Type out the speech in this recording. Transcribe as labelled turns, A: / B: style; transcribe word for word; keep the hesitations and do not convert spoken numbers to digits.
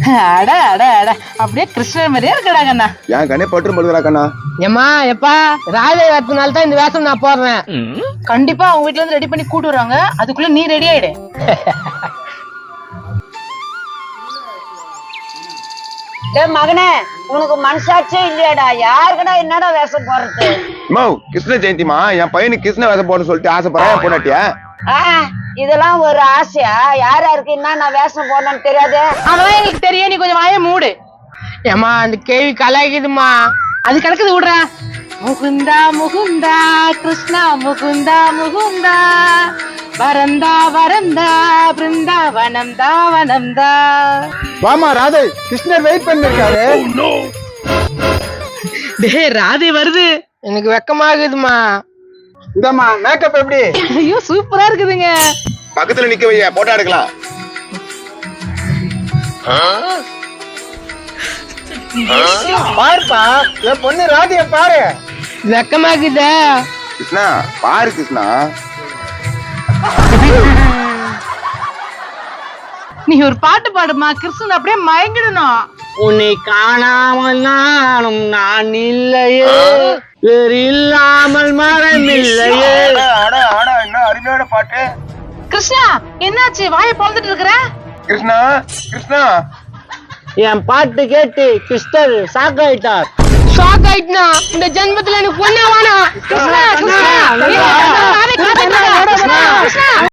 A: அட அட அட அப்படியே கிருஷ்ணர் மாதிரியே இருக்கடா கண்ணா.
B: என் கண்ணே பட்டு படுக்கிறா கண்ணா.
C: ஏமா எப்பா ராஜை வரதுனால தான் இந்த வேஷம் நான் போடுறேன்.
A: கண்டிப்பா அவங்க வீட்டுல இருந்து ரெடி பண்ணி கூட்டு வராங்க, அதுக்குள்ள நீ ரெடி ஆயிடு.
D: டேய் மகனே, உனக்கு மனசாட்சியே இல்லையாடா? யாருக்கடா என்னடா வேஷம் போடுறது?
B: மோ கிருஷ்ண ஜெயந்திமா, என் பையனுக்கு கிருஷ்ண வேஷம் போடணும்னு சொல்லிட்டு ஆசைப்படுறேன். போனாட்டியா?
D: இதெல்லாம் ஒரு ஆசையா? யார் யாருக்கு என்ன நான் வேஷம் போடணும்னு தெரியாது.
A: அதெல்லாம் எங்களுக்கு தெரியும், நீ கொஞ்சம் வாய மூடு.
C: ஏமா அந்த கேள்வி கலாய்க்குதுமா.
A: அது கிடக்குது விடுறா. முகுந்தா முகுந்தா கிருஷ்ணா முகுந்தா முகுந்தா வரந்தா வரந்தா பிருந்தாவனம் தாவனம் தா.
E: வாமா ராதை, கிருஷ்ணர் வெயிட் பண்ணிருக்காரு.
A: டேய் ராதே வருது.
C: எனக்கு வெக்கமாகுதுமா.
E: இந்தம்மா மேக்கப் எப்படி?
A: ஐயோ சூப்பரா இருக்குதுங்க.
B: பக்கத்துல நிக்க வைய, போட்டோ எடுக்கலாம்.
E: பாருப்பா, என் பொண்ணு ராதைய பாரு.
C: வெக்கமாகுத.
B: கிருஷ்ணா பாரு கிருஷ்ணா.
A: நீ ஒரு பாட்டு பாடுமா, கிருஷ்ணன் அப்படியே மயங்கிடணும்.
C: உன்னை காணாமல் நானும் நான் இல்லையே, வேறு இல்லாமல் மரம் இல்லையே.
B: ஆட ஆட என்ன அருமையான பாட்டு.
A: கிருஷ்ணா என்னாச்சு, வாயை பொழந்துட்டு இருக்கிற?
B: கிருஷ்ணா கிருஷ்ணா
C: என் பாட்டு கேட்டு கிருஷ்ணர் ஷாக் ஆயிட்டார். ஷாக் ஆயிட்டுனா இந்த ஜென்மத்துல எனக்கு பொண்ணே வேணாம்.
A: கிருஷ்ணா கிருஷ்ணா